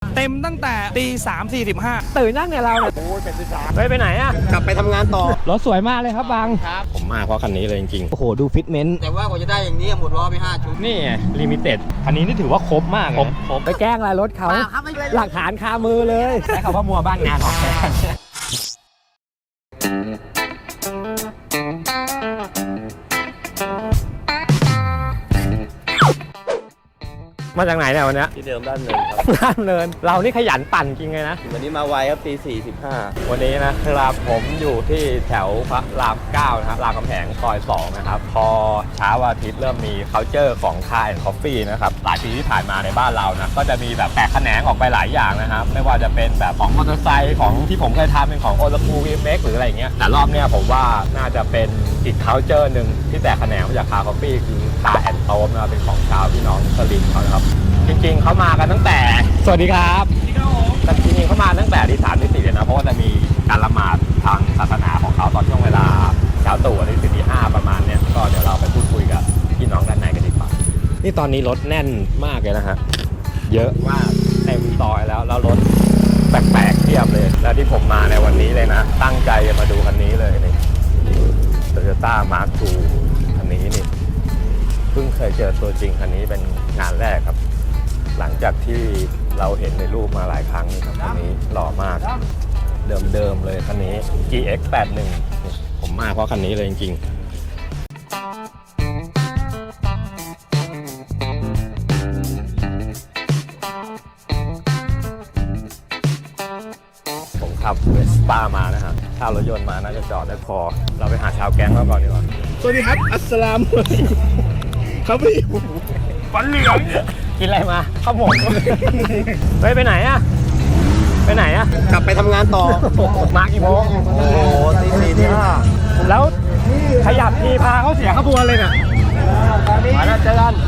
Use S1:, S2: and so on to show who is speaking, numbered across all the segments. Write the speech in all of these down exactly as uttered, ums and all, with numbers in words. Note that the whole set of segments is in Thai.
S1: เต็มตั้งแต่ตีสามสี่สิบห้า
S2: ตื่นนั่งเนี่ยเราเนี่ยโอ้ยเป็นที่สามเฮ้ยไปไหนอะกลับไปทำงานต่อรถสวยมากเลยครับบางครับผมมาเพราะคันนี้เลยจริงๆโอ้โหดูฟิตเมนต์
S3: แต่ว่ากว่าจะได้อย่างนี้หมดล้อไปห้าชุด
S2: นี่ไงลิมิเต็ดคันนี้นี่ถือว่าครบมากครบครบไปแกล้งอะไรรถเขาหลักฐานคามือเลยใช้คำว่ามัวบ้านงานของแกมาจากไหนเนี่ยวันนี้
S3: ที่เดิมด้านเนินครับ
S2: ด้านเนินเรานี่ขยันปั่นจริงเลยนะ
S3: วันนี้มาไวครับตีสี่สิบห้า
S2: วันนี้นะครับผมอยู่ที่แถวพระรามเก้านะครับรามคำแหงซอยสองนะครับพอเช้าวันอาทิตย์เริ่มมี culture ของ Car and Coffee นะครับหลายปีที่ผ่านมาในบ้านเรานะก็จะมีแบบแตกแขนงออกไปหลายอย่างนะครับไม่ว่าจะเป็นแบบของมอเตอร์ไซค์ของที่ผมเคยทำเป็นของโอลาคูวีเม็กหรืออะไรเงี้ยแต่รอบเนี้ยผมว่าน่าจะเป็นอีก culture หนึ่งที่แตกแขนงมาจาก Car Coffee คือ Car and Toast นะเป็นของชาวพี่น้องสลิมเขานะครับจริงๆเขามากันตั้งแต่สวัสดีครับแต่จริงๆเขามาตั้งแต่ที่สามที่สี่เลยนะเพราะว่าจะมีการละหมาดทางศาสนาของเขาตอนช่วงเวลาเช้าตรู่ที่สี่ที่ห้าประมาณเนี้ยก็เดี๋ยวเราไปพูดคุยกับพี่น้องด้านในกันดีกว่านี่ตอนนี้รถแน่นมากเลยนะฮะเยอะมากเต็มซอยแล้วแล้วรถแปลกๆเทียบเลยแล้วที่ผมมาในวันนี้เลยนะตั้งใจจะมาดูคันนี้เลยนี่ Toyota Mark ทู คันนี้นี่เพิ่งเคยเจอตัวจริงคันนี้เป็นงานแรกครับหลังจากที่เราเห็นในรูปมาหลายครั้งนี่ครับคันนี้หล่อมากเดิมๆเลยคันนี้ จี เอ็กซ์ แปดสิบเอ็ด ผมมาเพราะคันนี้เลยจริงๆผมขับเวสป้ามานะฮะถ้ารถยนต์มาน่าจะจอดได้พอเราไปหาชาวแก๊งเราก่อนดีกว่า
S1: สวัสดีครับอัสสลามุอะลัยกุมครับพี่ฟันเหลือง
S2: กินอะไรมาข้าวหมกเฮ้ยไปไหนอะไปไหนอะกลับไปทำงานต่อมากี่โมง
S3: โอ้โหตีสี่ตีห้า
S2: แล้วขยับทีพาเขาเสียขบวนเลยเนี่ยมาแล้วเจอกัน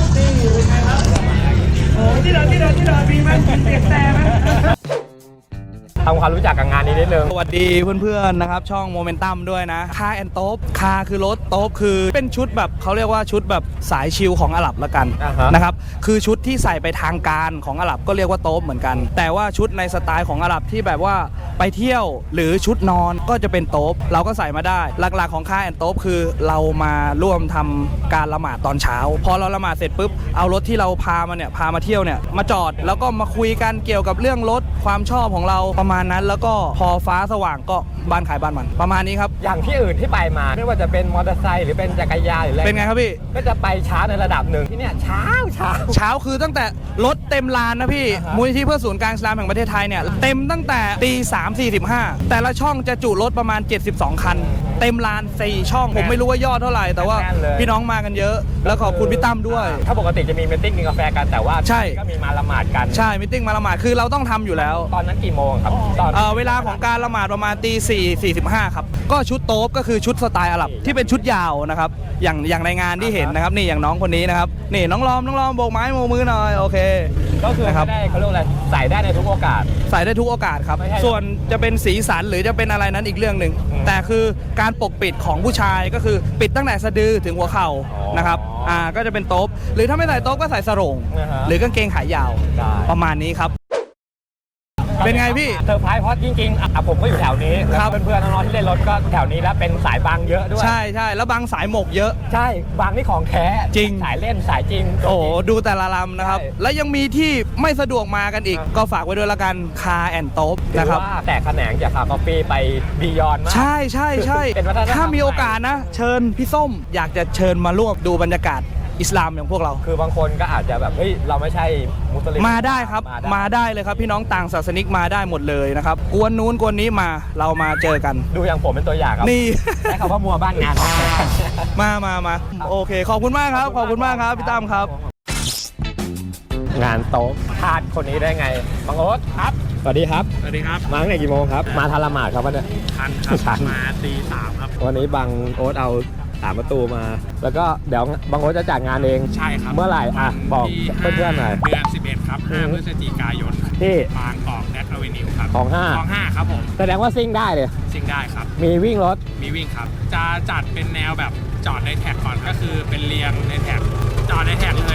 S1: โอ้ที่เราที่เราที่เรามีมันเสียงแต่ไหม
S2: ทำความรู้จักกับงานนี้นิดนึง
S1: สวัสดีเพื่อนๆนะครับช่องโมเมนตัมด้วยนะคาแอนโต๊บคาคือรถโต๊บคือเป็นชุดแบบเขาเรียกว่าชุดแบบสายชิลของอาหรับละกัน
S2: uh-huh.
S1: นะครับคือชุดที่ใส่ไปทางการของอาหรับก็เรียกว่าโต๊บเหมือนกันแต่ว่าชุดในสไตล์ของอาหรับที่แบบว่าไปเที่ยวหรือชุดนอนก็จะเป็นโต๊บเราก็ใส่มาได้หลักๆของคาแอนโต๊บคือเรามาร่วมทำการละหมาดตอนเช้าพอเราละหมาดเสร็จปุ๊บเอารถที่เราพามาเนี่ยพามาเที่ยวเนี่ยมาจอดแล้วก็มาคุยกันเกี่ยวกับเรื่องรถความชอบของเราประมาณนั้นแล้วก็พอฟ้าสว่างก็บ้านขายบ้านมันประมาณนี้ครับ
S2: อย่างที่อื่นที่ไปมาไม่ว่าจะเป็นมอเตอร์ไซค์หรือเป็นจักรยานหรืออะไร
S1: เป็นไงครับพี่
S2: ก็จะไปช้าในระดับหนึ่งที่เนี่ยเช้าเช้า
S1: เช้าคือตั้งแต่รถเต็มลานนะพี่มูลนิธิเพื่อศูนย์กลางอิสลามแห่งประเทศไทยเนี่ยเต็มตั้งแต่ตีสามสี่สิบห้าแต่ละช่องจะจุรถประมาณเจ็ดสิบสองคันเต็มลานสี่ช่องผมไม่รู้ว่ายอดเท่าไหร่แต่ว่าพี่น้องมากันเยอะแล้วขอบคุณพี่ตั้มด้วย
S2: ถ้าปกติจะมีมีตติ้งกินกาแฟกันแต่ว่า
S1: ใช่
S2: ก็มีมาละหมาดกัน
S1: ใช่มีตติ้งมาละหมาดคือเราต้องทำอยู่แล้ว
S2: ตอนนั้นกี่โมงครับตอน
S1: เวลาของการละหมาดประมาณตีสี่สี่สิบห้าครับก็ชุดโต๊บก็คือชุดสไตล์อาหรับที่เป็นชุดยาวนะครับอย่างอย่างในงานที่เห็นนะครับนี่อย่างน้องคนนี้นะครับนี่น้องลอมน้องลอมโบกไม้โบกมือหน่อยโอเค
S2: ก็คือไม่ได้เขาเรียกอะไรใส่ได้ในทุกโอกาส
S1: ใส่ได้ทุกโอกาสครับส่วนจะเป็นสีสันหรือจะเป็นอะไรนั้นอีกเรื่องหนึ่งแต่คือการปกปิดของผู้ชายก็คือปิดตั้งแต่สะดือถึงหัวเข่านะครับอ่าก็จะเป็นโต๊บหรือถ้าไม่ใส่โต๊บก็ใส่สรงหรือกางเกงขายาวประมาณนี้ครับเป็นไงพี่
S2: เซอร์ไพรส์เพราะจริงๆอ่ะผมก็อยู่แถวนี้แล้วเพื่อนๆน้องๆที่เล่นรถก็แถวนี้แล้วเป็นสายบางเยอะด้วย
S1: ใช่ใช่แล้วบางสายหมกเยอะ
S2: ใช่บางนี่ของแท้
S1: จริง
S2: สายเล่นสายจริง
S1: โอ้ดูแต่ละลำนะครับแล้วยังมีที่ไม่สะดวกมากันอีกก็ฝากไว้ด้วยละกันคาแอนโต๊บนะครับ
S2: แต่แขนงจากคาคอฟฟี่ไปบียอนมาก
S1: ใช่ใช่ใช่ถ้ามีโอกาสนะเชิญพี่ส้มอยากจะเชิญมาร่วมดูบรรยากาศอิสลามอย่างพวกเรา
S2: คือบางคนก็อาจจะแบบเฮ้ยเราไม่ใช่มุสลิม
S1: มาได้ครับมาได้เลยครับพี่น้องต่างศาสนิกมาได้หมดเลยนะครับกวนนู้นกวนนี้มาเรามาเจอกัน
S2: ดูอย่างผมเป็นตัวอย่างครับ
S1: นี่
S2: ใช้คำว่ามัวบ้านงาน
S1: มามามาโอเคขอบคุณมากครับขอบคุณมากครับพี่ตั้มครับ
S2: งานโต๊ะพลาดคนนี้ได้ไงบังโอ๊ตครับสวัสดีครับ
S1: สวัสดีครับ
S2: มาตั้งแต่กี่โมงครับมาทันละหมาดครับวันนี้
S1: ทันครับมาตีสามครับ
S2: วันนี้บังโอ๊ตเอาสามประตูมาแล้วก็เดี๋ยวบางโอ๊ตจะจัดงานเอง
S1: ใช่ครับ
S2: เมื่อไหร่อ่ะบอกเพื่อนๆหน่อย
S1: เดือนสิบเอ็ดครับห้าพฤศจิกายน
S2: ที่
S1: บางกอกแนทอเวนิวครับ
S2: ของห้า
S1: ของห้าครับผม
S2: แสดงว่าซิ่งได้เลย
S1: ซิ่งได้ครับ
S2: มีวิ่งรถ
S1: มีวิ่งครับจะจัดเป็นแนวแบบจอดในแท็กก่อนก็คือเป็นเรียงในแท็กจอดในแท็กเลย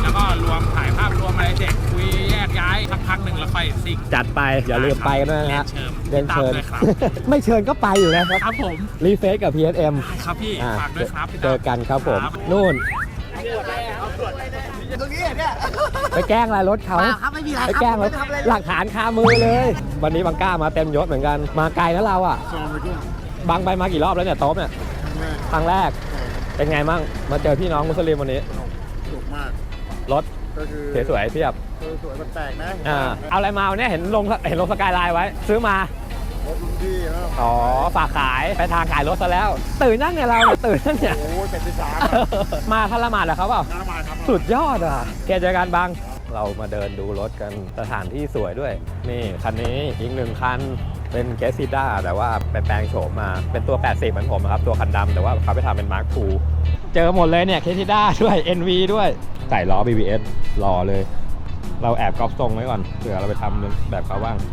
S4: แล้วก็รวมถ่ายภาพรวมอะไรเสร็จคุยแยกย้ายสักพักหนึ่งแล้วค่อยซิ่ง
S2: จัดไปอย่าลืมไปกันด้วยนะฮะ
S4: เรียนเชิญ
S2: เรียนเชิญ
S4: ติดตามด้วยครับ
S2: ไม่เชิญก็ไปอยู่แล้วครับ
S4: ครับผม
S2: รีเฟซกับ พี เอส เอ็ม
S4: ได้ครับพี่
S2: อ่า
S4: ฝากด้วยครับพี่
S2: เจอกันครับผม
S4: ครับ
S2: นู่นไปแกล้งอะไรรถเขาไปแกล้งรถหลักฐานคามือเลย วันนี้บังก้ามาเต็มยศเหมือนกันมาไกลแล้วเราอ่ะบังไปมากี่รอบแล้วเนี่ยโต๊ะเนี่ยครั้งแรกเป็นไงมั่งมาเจอพี่น้องมุสลิมวันนี้
S5: ถูกมาก
S2: รถ
S5: ก็คือ
S2: สวยๆเทียบ
S5: สวยๆแปลกๆนะ
S2: อ่าเอาอะไรมาวันนี้เห็นลงเห็นลงสกายไลน์ไว้ ซื้อมาร
S5: ถรุ่นพี่แล้ว
S2: อ๋อฝากขายไปทางขายรถซะแล้ว ตื่นนั่งเนี่ยเราเนี่ยตื่นนั่งเนี่ย
S5: โอ้ยเป็นที่สาม
S2: มาทันละหมาดเหรอครับเปล่า
S5: น้ำมาครับ
S2: สุดยอดอ่ะแกเจอกันบางเรามาเดินดูรถกันสถานที่สวยด้วย นี่คันนี้อีกหนึ่งคันเป็นเกสซิด้าแต่ว่าไปแปลงโฉมมาเป็นตัวแปดสิบเหมือนผมนะครับตัวคันดำแต่ว่าเขาไปทำเป็นมาร์คทูเจอหมดเลยเนี่ยเกสซิด้าด้วย เอ็น วี ด้วยใส่ล้อ บี บี เอส รอเลย เราแอบก๊อปทรงไว้ก่อนเผื่อเราไปทำแบบเขาบ้าง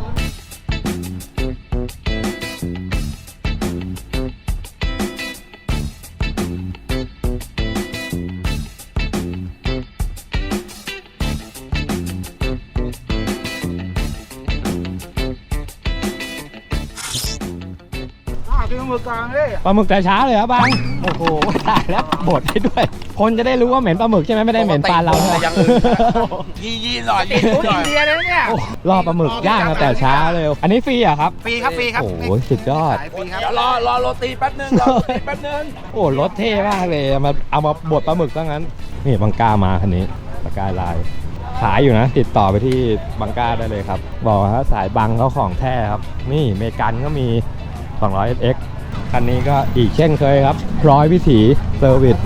S2: ปลาหมึกแต่เช้าเลยครับบางโอ้โหตายแล้วบดให้ด้วย คนจะได้รู้ว่าเหม็นปลาหมึกใช่ไหมไม่ได้เหม็นปลาเราใช่ไหม
S3: ยี่ยี่หน่อยยี่หน่อย
S2: รอปลาหมึกย่างมาแต่เช้าเลย อันนี้ฟรีเหรอ่ะครับ
S5: ฟรีครับฟรีครับ
S2: โอ้โหสุดยอด
S5: ฟรีครับ
S3: เดี๋ยวรอรอโรตีแป๊บนึงรอโรตีแป๊บนึง
S2: โอ้รถเท่มากเลยเอามาเอามาบดปลาหมึกซะงั้น นี่บังก้ามาคันนี้บังก้าลายขายอยู่นะ ติดต่อไปที่บังก้าได้เลยครับ บอกว่าสายบังเขาของแท้ครับ นี่เมกันก็มี สองร้อย เอส เอ็กซ์ คันนี้ก็อีกเช่นเคยครับร้อยวิถีเซอร์วิส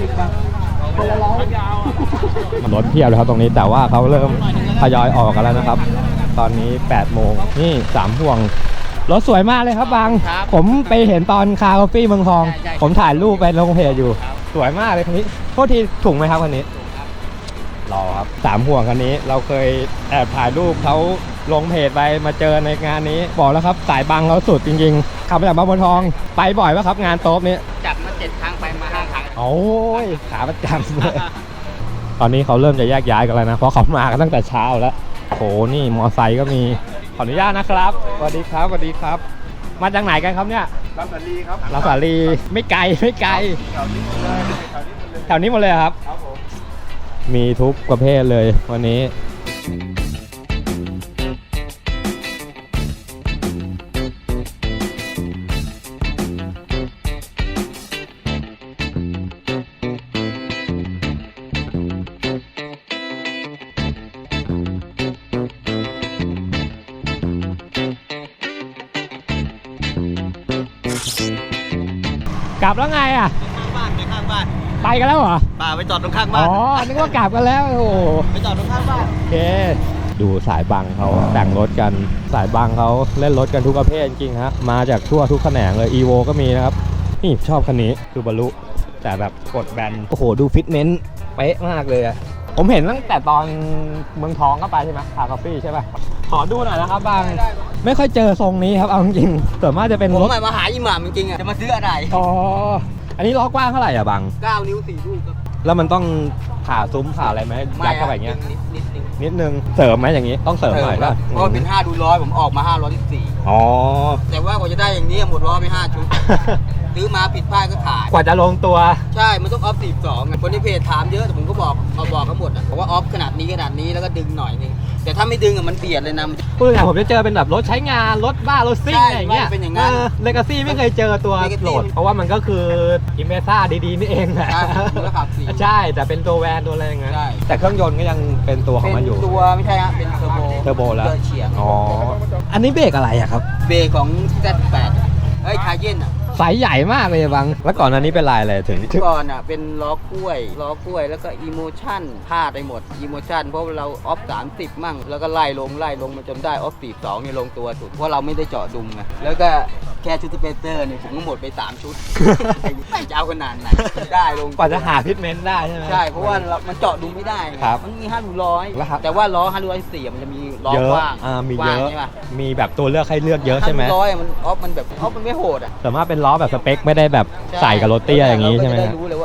S2: รถเพียบเลยครับตรงนี้แต่ว่าเขาเริ่มทยอยออกกันแล้วนะครับ ตอนนี้แปดโมงนี่สามห่วงรถสวยมากเลยครับบางผมไปเห็นตอนคาร์คอฟฟี่เมืองทอง ผมถ่ายรูปไปลงเพจอยู่สวยมากเลยคันนี้โทษทีถุงไหมครับคันนี้รอครับสามห่วงคันนี้เราเคยแอบถ่ายรูปเขาลงเพจไปมาเจอในงานนี้บอกแล้วครับสายบังเขาสุดจริงๆขับมาจากบางบัวทองไปบ่อยป่ะครับงานโต๊ะนี้
S3: จัดมาเจ็ดครั้งไปมาห้าครั้ง
S2: โอ้ยขาประจำเลย ตอนนี้เขาเริ่มจะแยกย้ายกันแล้วนะเพราะเขามากันตั้งแต่เช้าแล้วโหนี่มอไซค์ก็มีขออนุญาตนะครับสวัสดีครับสวัสดีครับ มาจากไหนกันครับเนี่ย
S5: ลำสาลีครับ
S2: ลาสาลีไม่ไกลไม่ไกล
S5: แถวนี้หมดเลยแถวนี้หมดเลย
S2: แถวนี้หมดเลยครับ
S5: ครับผม
S2: มีทุกประเภทเลยวันนี้กลับแล้วไงอ่ะ
S3: ข้างบ้านไปข้างบ้าน
S2: ไปกันแล้วเหรอ
S3: ป่าไปจอดตรงข้าง
S2: อ๋
S3: บ้า
S2: อน นึกว่ากลับกันแล้วโอ้โห
S3: ไปจอดตรงข้างบ้าน
S2: โอเคดูสายบังเขาแต่งรถกันสายบังเขาเล่นรถกันทุกประเภทจริงๆฮะมาจากทั่วทุกแขนงเลย อี โว ก็มีนะครับนี่ชอบคันนี้คือบรรลุแต่แบบกดแบนโอ้โหดูฟิตเนสเป๊ะมากเลยอะผมเห็นตั้งแต่ตอนเมืองทองก็ไปใช่ไหมคาร์คอฟฟี่ใช่ป่ะขอดูหน่อยนะครับบางไม่ค่อยเจอทรงนี้ครับเอาจริงๆส่วนมากจะเป็น
S3: ผม
S2: รถ
S3: มาหาอิหม่ามจริงๆอ่ะจะมาซื้ออะไร
S2: อ๋ออันนี้ล้อกว้างเท่าไหร่อะบาง
S3: เก้านิ้วสี่ลูกครับ
S2: แล้วมันต้องผ่าซุ้มผ่าอะไรไหมยัดเข้าไปอย่างเงี้ย
S3: นิดนิดนึง
S2: นิดนึงเสริมไหมอย่างนี้ต้องเสริมหน่อย
S3: ครั
S2: ป่ะ
S3: บเพราะว่าเป็นห้าดูร้อยผมออกมาห้าร้อยสิบสี่
S2: อ๋อ
S3: แต่ว่ากว่าจะได้อย่างนี้หมดล้อไปห้าชุด ซื้อมาผิดพลาดก็ขาย
S2: กว่าจะลงตัว
S3: ใช่ มันต้องออฟสี่สองคนที่เพจถามเยอะแต่ผมก็บอกมาบอกเขาหมดอ่ะบอกว่าออฟขนาดนี้ขนาดนี้แล้วก็ดึงหน่อยนึงแต่ถ้าไม่ดึงอ่ะมันเบียดเลยนะ
S2: พูดง่ายๆผมจะเจอเป็นแบบรถใช้งานรถบ้ารถซิ่ง
S3: ใช่
S2: อะไรอย่างเงี้ย
S3: มันเป็นอย่างนั้น
S2: เลกาซี่ไม่เคยเจอตัว
S3: Legacy
S2: โหลด เพราะว่ามันก็คืออิมเมซ่าดีๆนี่เองแหละ
S3: ใช่มันก็ขับสี่
S2: ใช่แต่เป็นตัวแวนตัวอะไรอย่างเงี้ย
S3: ใช่
S2: แต่เครื่องยนต์ก็ยังเป็นตัวของมันอยู่
S3: เป็นตัวไม่ใช่ฮะเป็นเทอร์โบ
S2: เทอร์โบแล้ว
S3: เดินเฉียง
S2: อ๋ออันนี้เบรกอะไรอะครับ
S3: เบรกของ แซด แปด เฮ้ยคาเย่นอ่ะ
S2: ไซส์ใหญ่มากเลยบังแล้วก่อนอันนี้เป็นลายอะไรถึง
S3: ก่อนอ่ะเป็นล้อกล้วยล้อกล้วยแล้วก็อีโมชั่นพลาดไปหมดอีโมชั่นเพราะเราออฟสามสิบมั่งแล้วก็ไล่ลงไล่ลงมาจนได้ออฟสี่สองเนี่ยลงตัวสุดเพราะเราไม่ได้เจาะดุมไงแล้วก็แค่ชุดสเปเตอร์เนี่ยผมก็หมดไปสามชุด ไม่จะเอาขนาดไหนได้ลง
S2: กว่าจะหาพิทเมนต์ได้ใช่ไหม
S3: ใช่เพราะว่าเรามันเจาะดุมไม่ได้ไง
S2: ครับ
S3: มันมีห้าดูร้อย
S2: แล้วครับ
S3: แต่ว่าล้อห้าร้อยสี่มันจะมีล้อ
S2: เยอะ
S3: กว้าง
S2: อ่ามี
S3: ก
S2: เย
S3: ว้าง
S2: อะ
S3: ใช่ปะ
S2: มีแบบตัวเลือกให้เลือกเยอะใช่ไหม
S3: ห้าร้อยมันออฟมันแบบออฟมันไม่โหดอ่ะ
S2: แต่ว่าเป็นล้อแบบสเปคไม่ได้แบบใส่กับรถเตี้ยอย่างนี้ใช่ไหม
S3: เราก็จะ
S2: ฮะ
S3: ได้รู้เลยว่าเออ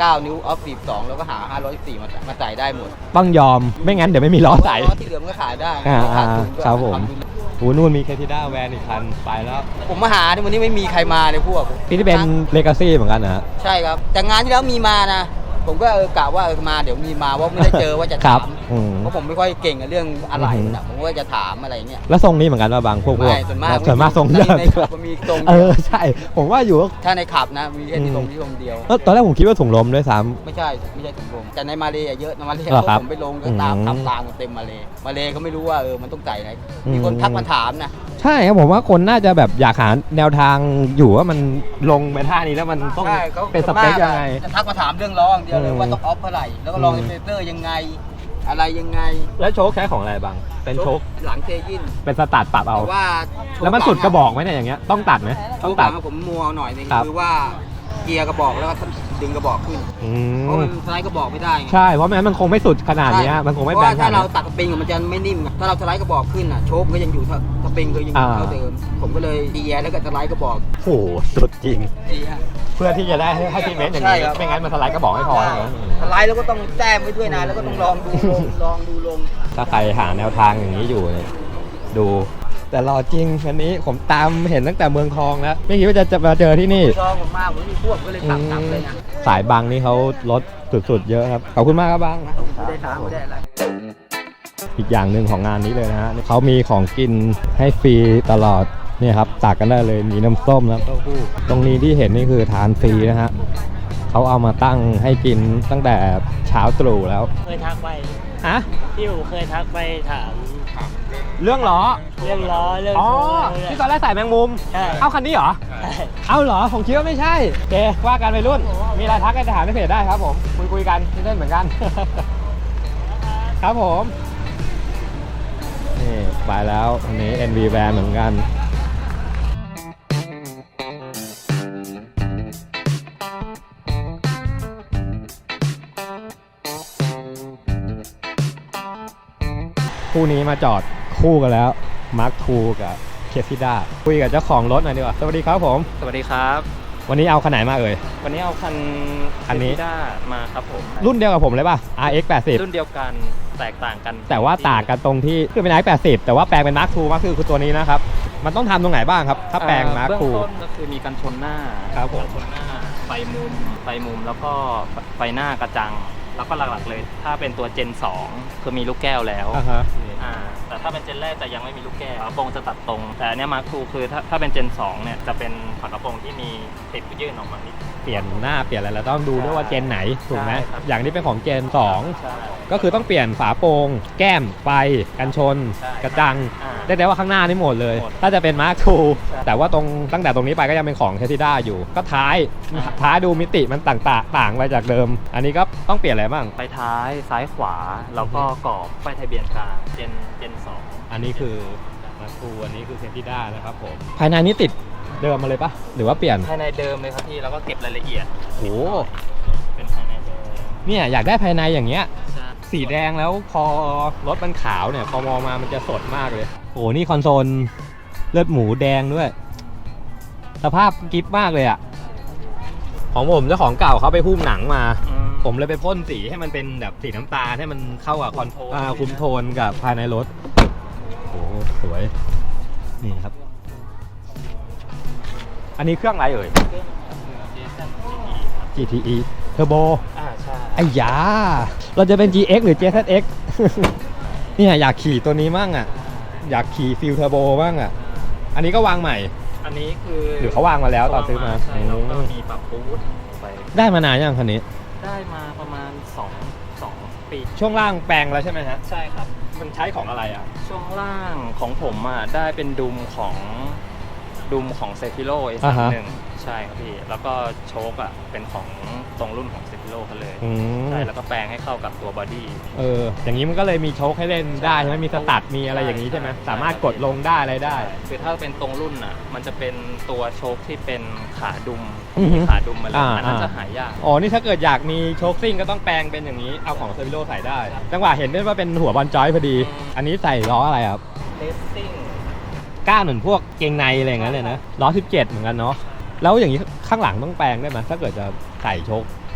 S3: เก้านิ้วออฟสิบสองแล้วก็หาห้าร้อยสี่มามาใส่ได้หมด
S2: ต้องยอมไม่งั้นเดี๋ยวไม่มีล้อใส่
S3: ล้อที่เหลือมันก็ขายได้
S2: อ่า
S3: ขาดทุนด้วย
S2: ครับผม
S3: ทำทุน
S2: โอ้นู่นมีแคทิด้าแวนอีกคันไปแล้ว
S3: ผมมาหาที่วันนี้ไม่มีใครมาเลยพวก
S2: พี่ที่เป็นเลกาซี่เหมือนกันนะฮะ
S3: ใช่ครับแต่งานที่แล้วมีมานะ ผมก็เออกะว่าเออมาเดี๋ยวมีมาว่าไม่ได้เจอว่าจะ
S2: ครั
S3: ถา
S2: บ
S3: ม
S2: อืม
S3: เพราะผมไม่ค่อยเก่งกับเรื่องอะไร
S2: อือหือ
S3: นะผมก็จะถามอะไรเงี้ย
S2: แล้วทรงนี้เหมือนกันว่าบางพวกพวก
S3: ไม่ส่วนมาก
S2: ส่วนมากทรง
S3: ใน
S2: เดิม
S3: ในขับมันมีตรง
S2: เออใช่ ผมว่าอยู่ว่า
S3: ถ้าในขับนะมีแค่
S2: อื
S3: ที่
S2: ม
S3: ตรงที่ตรงเดียว
S2: เออตอนแรกผมคิดว่าถุงลมด้วยซ้
S3: ไม่ใช่ไม่ใช่ถุงลมแต่ในมาเลย์เยอะนะมาเลย์
S2: เหรอครับ
S3: ผมไปลงก็ตาม
S2: อืม
S3: ทำตามกันเต็มมาเลย์มาเลย์เขาไม่รู้ว่าเออมันต้องใส่ไหน
S2: อืม
S3: มีคนทักมาถามนะ
S2: ำใช่ครับผมว่าคนน่าจะแบบอยากหาแนวทางอยู่ว่ามันลงไปท่านี้แล้วมันต้อง
S3: ใช่เขา
S2: เป็นสเปคยังไง
S3: จะทักมาถามเรื่องล้ออย่างเดียวเลย
S2: อืม
S3: ว่าต้องออฟเท่าไหร่แล้วก็ลอง
S2: อืม
S3: อินเฟเตอร์ยังไง อะไรยังไง
S2: แล้วโชคใช้ของอะไรบางเป็นโชค
S3: หลังเทยิน
S2: เป็นสตาร์ทปรับเอา
S3: แต่ว่าโชค
S2: แล้วมันสุดกระบอกไหมเนี่ยอย่างเงี้ยต้องตัดไหม
S3: โช
S2: ต้อง
S3: คห
S2: ตั
S3: ลั
S2: ด
S3: งผมมัวหน่อยนึง
S2: ครับ
S3: คือว่าเกียร์กระบอกแล้วก็ดึงกระบอกขึ้น
S2: อื
S3: เพราะ
S2: ม
S3: มันสไลด์กระบอกไม่ได้ไง
S2: ใช่เพราะไม่งั้นมันคงไม่สุดขนาดเนี้ยมันคงไม่
S3: เพ
S2: แบ
S3: ราะ
S2: น
S3: ว่า
S2: ข
S3: ถ้า
S2: นา
S3: เรา
S2: ดนี้
S3: ตัดสปริงอะมันจะไม่นิ่มถ้าเราสไลด์กระบอกขึ้นอ่ะโชคก็ยังอยู่เท่าสปริงก็ยังอยู่
S2: อ่า
S3: เท่าเดิมผมก็เลยดีแอร์แล้วก็สไลด์กระบอก
S2: โอ้โหสุดจริง
S3: ดีฮะ
S2: เพื่อที่จะได้ให้ให้พี่เมนต์อย่าง
S3: ใช่
S2: นี้
S3: ครับ
S2: ไม่งั้นมันสไลด์ก็บอกไม่พอใช่ไหม
S3: สไลด์แล้วก็ต้องแต้มไว้ด้วยนะแล้วก็ต้องลองดูลงลองดูลง
S2: ถ้าใครหาแนวทางอย่างนี้อยู่เนี่ยดู แต่รอจริงอันนี้ผมตามเห็นตั้งแต่เมืองทองแล้วไม่คิดว่าจะจะมาเจอที่นี่
S3: ลองผมมากผมมีพวกก็เลยขับกลับเลยนะ
S2: สายบางนี่เขาลดสุดๆเยอะครับ ขอบคุณมากครับบาง
S3: ไม่ได้ถามไม่ได้อะไร
S2: อีกอย่างหนึ่งของงานนี้เลยนะฮะเขามีของกินให้ฟรีตลอดเนี่ยครับตักกันได้เลยมีน้ำส้มน้ำเต้าหู้ตรงนี้ที่เห็นนี่คือทานฟรีนะฮะเขาเอามาตั้งให้กินตั้งแต่เช้าตรู่แล้ว
S6: เคยทักไป
S2: ฮะ
S6: พี่อู๋เคยทักไปถาม
S2: เรื่องล้อ
S6: เรื่องล้อเรื่อง
S2: อ๋อ
S6: โชว์
S2: ที่ตอนแรกใส่แมงมุม
S6: ใช่
S2: เอาคันนี้เหรอ
S6: ใช่
S2: เอาเหรอ ผมคิดว่าไม่ใช่โอเคว่ากันไปรุ่น มีอะไรทักกันถามในเพจได้ครับผม คุยคุยกันเล่นเหมือนกัน ครับผม นี่ไปแล้วอันนี้ เอ็น วี Van เหมือนกัน คู่นี้มาจอดคู่กันแล้ว มาร์คทูกับเคซิด้าคุยกับเจ้าของรถหน่อยดีกว่า สวัสดีครับผม
S7: สวัสดีครับ
S2: วันนี้เอาคันไหนมาเอ่ย
S7: วันนี้เอาคัน
S2: คันนี้
S7: ด้ามาครับผม
S2: รุ่นเดียวกับผมเลยป่ะ อาร์ เอ็กซ์ แปดสิบ
S7: รุ่นเดียวกันแตกต่างกัน
S2: แต่ว่าต่างกันตรงที่คือเป็น อาร์ เอ็กซ์ แปดสิบ แต่ว่าแปลงเป็นมาร์คทูมาร์คทูคือตัวนี้นะครับ มันต้องทำตรงไหนบ้างครับ ถ้าแปลงมาร์ค
S7: เบื้อง
S2: ทู
S7: ต้นก็คือมีกันชนหน้า
S2: ครับผม
S7: กันชนหน้าไฟมุมไฟมุมแล้วก็ไฟหน้ากระจัง แล้วก็หลักๆเลย ถ้าเป็นตัวเจนสองคือมีลูกแก้วแล้ว
S2: อ่าฮะ
S7: อ่าแต่ถ้าเป็นเจนแรกจะยังไม่มีลูกแก้วฝากระโปรงจะตัดตรง แต่อันเนี้มาร์คทูคือถ้าถ้าเป็นเจนสองเนี่ยจะเป็นฝากระโปรงที่มีติดยื่นออกมานิด
S2: เปลี่ยนหน้าเปลี่ยนอะไรแล้วต้องดูด้วยว่าเจนไหนถูกไหม
S7: ใช่ครับ
S2: อย่างที่เป็นของเจนสอง
S7: ใช่
S2: ก็คือต้องเปลี่ยนฝาโปรงแก้มไฟกันชน
S7: ใช่
S2: กระจัง
S7: อ่า
S2: ได้แต่ว่าข้างหน้านี่หมดเลย
S7: หมด
S2: ถ้าจะเป็นมาร์คทู
S7: ใช่
S2: แต่ว่าตรงตั้งแต่ตรงนี้ไปก็ยังเป็นของแคทิด้าอยู่ ก็ท้าย
S7: อ่า
S2: ท้ายดูมิติมันต่างๆต่างไปจากเดิม อันนี้ก็ต้องเปลี่ยนอะไรบ้าง
S7: ไฟท้ายซ้ายขวาแล้วก็กรอบไฟทะเบียนกลางเจนเจนสอง
S2: อันนี้คือมาร์คทูอันนี้คือแคทิด้านะครับผมภายในนี้ติดเดิมมาเลยปะหรือว่าเปลี่ยน
S7: ภายในเดิมเลยครับพี่แล้วก็เก็บรายละเอียด
S2: โอ้
S7: เป็นภายในเดิม
S2: เนี่ยอยากได้ภายในอย่างเงี้ย
S7: ใช่
S2: สีแดงแล้วพอรถมันขาวเนี่ยพอมองมามันจะสดมากเลยโอ้นี่คอนโซลเลือดหมูแดงด้วย สภาพกิฟมากเลยอะของผมเจ้าของเก่าเขาไปหุ้มหนังมา
S7: อืม
S2: ผมเลยไปพ่นสีให้มันเป็นแบบสีน้ำตาลให้มันเข้ากับคอนโทรล
S7: คุมโทน
S2: อ่าคุมโทนกับภายในรถโอ้สวยนี่ครับ อันนี้เครื่องอะไรเอ่ย จี ที อี Turbo
S7: อ่าใช่
S2: ไอ้ยาเราจะเป็น จี เอ็กซ์ หรือ เจ แซด เอ็กซ์ เนี่ยอยากขี่ตัวนี้มั่งอ่ะ อยากขี่ฟิลเทอร์โบบ้างอ่ะ อันนี้ก็วางใหม่
S7: อันนี้คือ
S2: หรือเขาวางมาแล้วตอนซื้อมา
S7: ใช่แล้วก็มีปรับบูทไป
S2: ได้มานานยังคันนี้
S7: ได้มาประมาณสอง สองปี
S2: ช่วงล่างแปลงแล้วใช่ไหมฮะ
S7: ใช่ครับ
S2: มันใช้ของอะไรอ่ะ
S7: ช่วงล่างของผมอ่ะได้เป็นดุมของดุมของเซฟิโลเอสา
S2: อ่าม ฮะ
S7: หนึ่งใช่ครับพี่ แล้วก็โชคอ่ะเป็นของตรงรุ่นของเซฟิโลเขาเลย
S2: อืม
S7: ใช่แล้วก็แปลงให้เข้ากับตัวบอดี้
S2: เออ อย่างนี้มันก็เลยมีโชคให้เล่นได้ใช่ไหมมีสตัดมีอะไรอย่างนี้ใช่ไหม
S7: ใช่
S2: สามารถกดลงได้อะไรได้
S7: คือถ้าเป็นตรงรุ่นอ่ะ มันจะเป็นตัวโชคที่เป็นขาดุม
S2: อือฮึ
S7: มีขาดุมมาเลย
S2: อ่า
S7: อันนั้น
S2: อ่า
S7: จะหายาก
S2: อ๋อ นี่ถ้าเกิดอยากมีโชคซิ่งก็ต้องแปลงเป็นอย่างนี้ เอาของเซฟิโลใส่ได้ จังหวะเห็นด้วยว่าเป็นหัวบอลจอยพอดี อันนี้ใส่ล้ออะไรครับ
S7: เลสซิ่ง
S2: ก้านเหมือนพวกเกงในอะไรอย่างนั้นเลยนะล้อสิบเจ็ดเหมือนกันเนาะแล้วอย่างนี้ข้างหลังต้องแปลงได้ไหมถ้าเกิดจะใส่โชค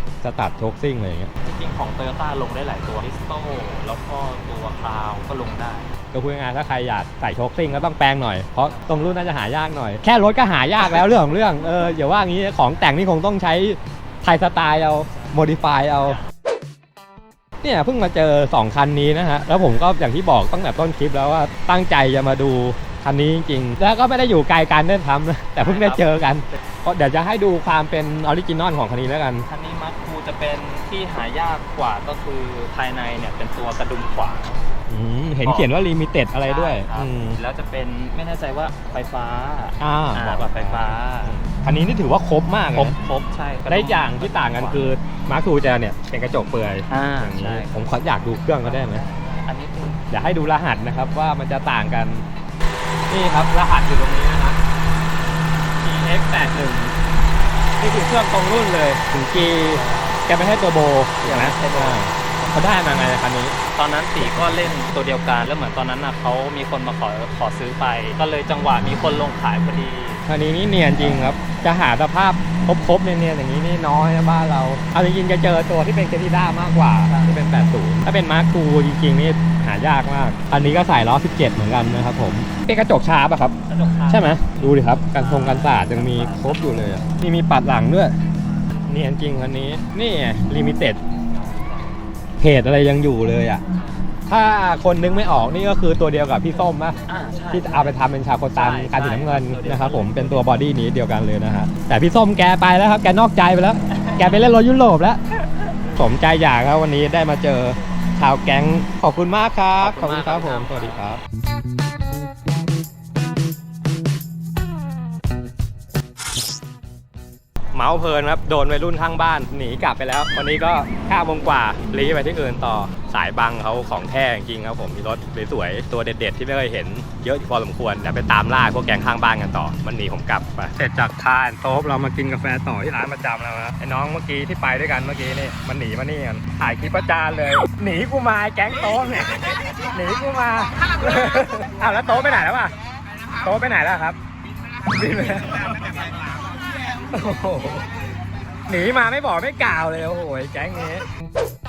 S2: สตาร์ทโชคซิ่งอะไรอย่างเงี้ย
S7: จริงๆของ Toyota ลงได้หลายตัวลิสโต้แล้วก็ตัวคลาวก็ลงได้
S2: ก็พูดง่ายๆถ้าใครอยากใส่โชคซิ่งก็ต้องแปลงหน่อยเพราะตรงรุ่นน่าจะหายากหน่อยแค่รถก็หายากแล้วเรื่องของเรื่องเอออย่าว่างี้ของแต่งนี่คงต้องใช้ไทยสไตล์เอาโมดิฟายเอาเนี่ยเพิ่งมาเจอสองคันนี้นะฮะแล้วผมก็อย่างที่บอกตั้งแต่ต้นคลิปแล้วว่าตั้งใจจะมาดูคันนี้จริงๆแล้วก็ไม่ได้อยู่ไกลกันได้ทำนะแต่เพิ่งได้เจอกันก็เดี๋ยวจะให้ดูความเป็นออริจินอลของคันนี้แล้วกัน
S7: คันนี้มาร์คทูจะเป็นที่หายากกว่าก็คือภายในเนี่ยเป็นตัวกระดุมขวา
S2: อืมเห็นเขียนว่าลิมิเต็ดอะไรด้วย
S7: ใช่ครับ
S2: อืม
S7: แล้วจะเป็นไม่แน่ใจว่าไฟฟ้า
S2: อ่า
S7: อ่าแบบไฟฟ้า
S2: คันนี้นี่ถือว่าครบมาก
S7: ครบ
S2: นะ
S7: ครบใช่กระดุม
S2: ได้อย่างที่ต่างกันคือมาร์คทูจะเนี่ยเป็นกระจกเปลือย
S7: อ่า
S2: อย่างนี้
S7: ใช่
S2: ผมขออยากดูเครื่องก็ได้ไหม
S7: อันนี้เป็น
S2: เดี๋ยวให้ดูรหัสนะครับว่ามันจะต่างกัน นี่ครับรหัสอยู่ตรงนี้นะครับ ที เอ็กซ์ แปดสิบเอ็ด นี่คือเครื่องตรงรุ่นเลยถึง G แกไม่ให้ตัวโบอย่างนั้นเขาได้มาไงคันนี้
S7: ตอนนั้นตีก็เล่นตัวเดียวกันแล้วเหมือนตอนนั้นน่ะเขามีคนมาขอขอซื้อไป ก็เลยจังหวะมีคนลงขายพอดี
S2: คันนี้นี่เนียนจริงครับจะหาสภาพครบๆเนียนๆอย่างนี้นี่น้อยนะบ้านเราเอาจริงๆจะเจอตัวที่เป็นเคทิด้ามากกว่าที่เป็นแปดสิบถ้าเป็นมาร์คทูจริงๆนี่หายากมากอันนี้ก็ใส่ล้อสิบเจ็ดเหมือนกันนะครับผมเป็นกระจกชาร์ปอะครับ
S7: กระจกขาว
S2: ใช่ไหมดูดิครับกันทรงกันศาสตร์ยังมีครบอยู่เลยอะนี่มีปัดหลังด้วยเนียนจริงคันนี้นี่ลิมิเต็ดเพจอะไรยังอยู่เลยอะถ้าคนนึกไม่ออกนี่ก็คือตัวเดียวกับพี่ส้มนะ
S7: อ่าใช่
S2: ที่เอาไปทำเป็นชาโคตัน
S7: ใช่
S2: การสีน้ำเงิน
S7: ใช่
S2: นะครับผมเป็นตัวบอดี้นี้เดียวกันเลยนะฮะแต่พี่ส้มแกไปแล้วครับแกนอกใจไปแล้ว แกไปเล่นรถยุโรปแล้วสมใจอยากครับวันนี้ได้มาเจอชาวแก๊งขอบคุณมากครับขอบคุณครับผมสวัสดีครับ เมาส์เพลินครับโดนวัยรุ่นข้างบ้านหนีกลับไปแล้ว วันนี้ก็ห้าโมงกว่ารีไปที่อื่นต่อสายบังเขาของแท้จริงครับผมมีรถสวยๆตัวเด็ดๆที่ไม่เคยเห็นเยอะพอสมควรเดี๋ยวไปตามล่าพวกแก๊งข้างบ้านกันต่อมันหนีผมกลับไปเสร็จจากคาร์โต๊บเรามากินกาแฟต่อที่ร้านประจำแล้วนะไอ้น้องเมื่อกี้ที่ไปด้วยกันเมื่อกี้นี่มันหนีมานี่กันถ่ายคลิปประจานเลยหนีกูมาแก๊งโต๊บเนี่ยหนีกูมาอ้าวแล้วโต๊บไปไหนแล้วอ่ะโต๊บไปไหนแล้วครับบินไปแล้ว โอ้โหหนีมาไม่บอกไม่กล่าวเลยโอ้โหแก๊งนี้